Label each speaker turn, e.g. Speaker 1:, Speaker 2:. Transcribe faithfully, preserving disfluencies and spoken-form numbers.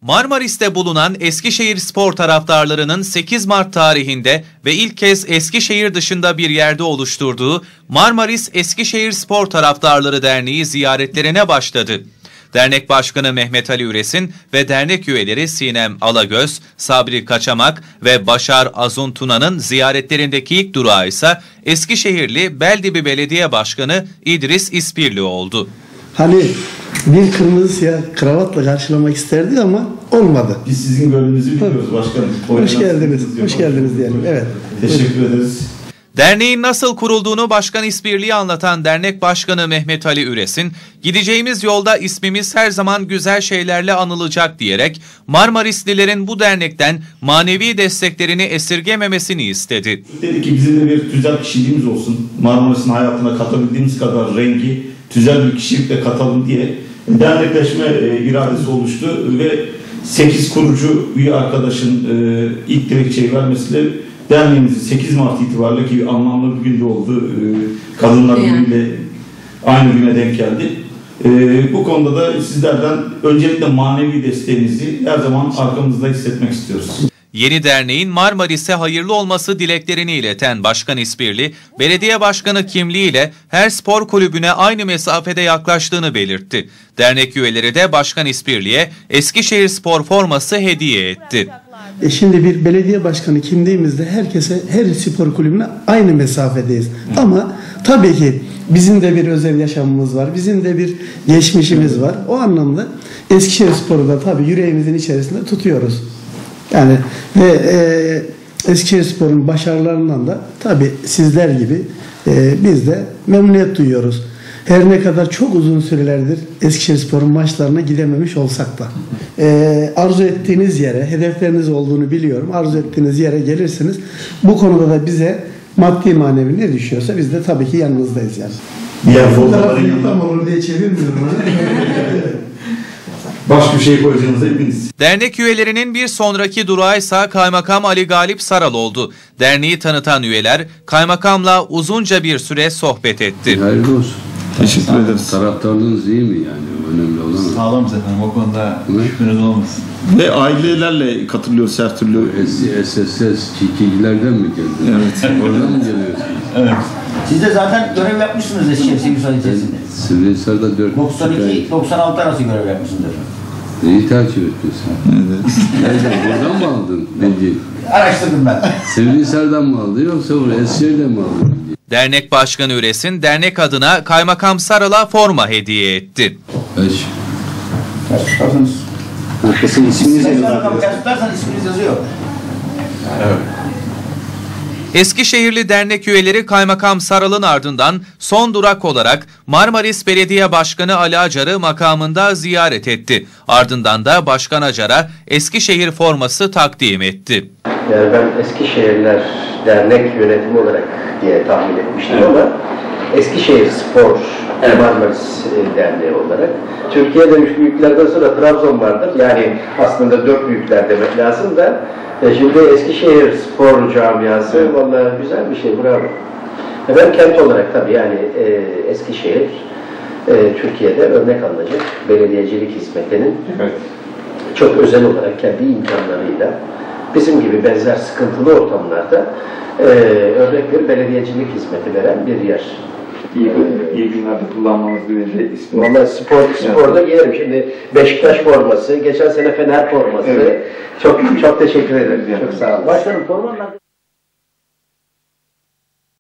Speaker 1: Marmaris'te bulunan Eskişehir Spor taraftarlarının sekiz Mart tarihinde ve ilk kez Eskişehir dışında bir yerde oluşturduğu Marmaris Eskişehir Spor Taraftarları Derneği ziyaretlerine başladı. Dernek Başkanı Mehmet Ali Üresin ve dernek üyeleri Sinem Alagöz, Sabri Kaçamak ve Başar Azun Tuna'nın ziyaretlerindeki ilk durağı ise Eskişehirli Beldibi Belediye Başkanı İdris İspirli oldu.
Speaker 2: Hani bir kırmızı siyah kravatla karşılamak isterdik ama olmadı.
Speaker 3: Biz sizin gönlünüzü biliyoruz başkanım.
Speaker 2: Hoş geldiniz, hoş geldiniz diyelim. Evet.
Speaker 3: Teşekkür Buyurun. ederiz.
Speaker 1: Derneğin nasıl kurulduğunu Başkan İspirli'yi anlatan Dernek Başkanı Mehmet Ali Üresin, "Gideceğimiz yolda ismimiz her zaman güzel şeylerle anılacak" diyerek Marmarislilerin bu dernekten manevi desteklerini esirgememesini istedi.
Speaker 3: Dedi ki bizim de bir tüzel kişiliğimiz olsun. Marmaris'in hayatına katabildiğimiz kadar rengi, tüzel bir kişilikle katalım diye dernekleşme e, iradesi oluştu ve sekiz kurucu üye arkadaşın e, ilk dilekçeyi vermesiyle derneğimizin sekiz Mart itibariyle, ki anlamlı bir günde oldu, e, Kadınlar Günü'yle aynı güne denk geldi. E, bu konuda da sizlerden öncelikle manevi desteğinizi her zaman arkamızda hissetmek istiyoruz.
Speaker 1: Yeni derneğin Marmaris'e hayırlı olması dileklerini ileten Başkan İspirli, belediye başkanı kimliğiyle her spor kulübüne aynı mesafede yaklaştığını belirtti. Dernek üyeleri de Başkan İspirli'ye Eskişehir Spor forması hediye etti.
Speaker 2: E şimdi bir belediye başkanı kimliğimizde herkese, her spor kulübüne aynı mesafedeyiz. Ama tabii ki bizim de bir özel yaşamımız var, bizim de bir geçmişimiz var. O anlamda Eskişehir Spor'u da tabii yüreğimizin içerisinde tutuyoruz. Yani ve e, Eskişehir Spor'un başarılarından da tabii sizler gibi e, biz de memnuniyet duyuyoruz. Her ne kadar çok uzun sürelerdir Eskişehir Spor'un maçlarına gidememiş olsak da e, arzu ettiğiniz yere, hedefleriniz olduğunu biliyorum. Arzu ettiğiniz yere gelirsiniz. Bu konuda da bize maddi manevi ne düşüyorsa biz de tabii ki yanınızdayız yani.
Speaker 3: Diğer futbolcuların yanında
Speaker 2: olur diye çevirmiyorum.
Speaker 3: başka bir şey koyacağınızda hepiniz.
Speaker 1: Dernek üyelerinin bir sonraki durağı ise Kaymakam Ali Galip Saral oldu. Derneği tanıtan üyeler Kaymakamla uzunca bir süre sohbet etti.
Speaker 4: Hayırlı olsun.
Speaker 3: Teşekkür ederiz.
Speaker 4: Taraftarlığınız iyi mi yani? Önemli olan.
Speaker 5: Sağlamız efendim, o konuda şüpheniz olmasın.
Speaker 3: Ve ailelerle katılıyoruz her türlü.
Speaker 4: S S S çiftçilerden mi geldi?
Speaker 3: Evet.
Speaker 4: Oradan mı geliyorsunuz?
Speaker 5: Evet.
Speaker 6: Siz de zaten görev yapmışsınız Eskişehir Sivrisal içerisinde.
Speaker 4: Sivrihisar'da dört
Speaker 6: doksan iki doksan altı arası görev yapmışsınız efendim.
Speaker 4: Neyi takip ediyorsun?
Speaker 3: Evet.
Speaker 4: Nereden? Buradan mı aldın bilgi?
Speaker 6: Araştırdım ben.
Speaker 4: Sivrihisar'dan mı aldın yoksa buraya Eskişehir'den mi aldın bilgi?
Speaker 1: Dernek Başkanı Üresin, dernek adına Kaymakam Saral'a forma hediye etti.
Speaker 4: Beş.
Speaker 6: Ters tutarsanız.
Speaker 3: Arkasının isminiz yazıyor.
Speaker 6: Ters tutarsan isminiz yazıyor.
Speaker 5: Evet.
Speaker 1: Eskişehirli dernek üyeleri Kaymakam Saral'ın ardından son durak olarak Marmaris Belediye Başkanı Ali Acar'ı makamında ziyaret etti. Ardından da Başkan Acar'a Eskişehir forması takdim etti.
Speaker 7: Yani ben Eskişehirler Dernek Yönetimi olarak diye tahmin etmiştim, evet. Ama Eskişehir Spor evet. Marmaris Derneği olarak. Türkiye'de üç büyüklerden sonra Trabzon vardır. Yani aslında dört büyükler demek lazım da şimdi Eskişehir Spor Camiası evet. Vallahi güzel bir şey, bravo. Ben kent olarak tabii yani e, Eskişehir e, Türkiye'de örnek alınacak belediyecilik hizmetinin evet. Çok özel olarak kendi imkanlarıyla bizim gibi benzer sıkıntılı ortamlarda e, örnek bir belediyecilik hizmeti veren bir yer.
Speaker 3: İyi, ee, iyi günlerde kullanmamız dileğiyle.
Speaker 7: Valla spor, sporda giyerim. Şimdi Beşiktaş forması, geçen sene Fener forması. Evet. Çok çok teşekkür ederim. Çok sağ olun. Başkanım formanlar...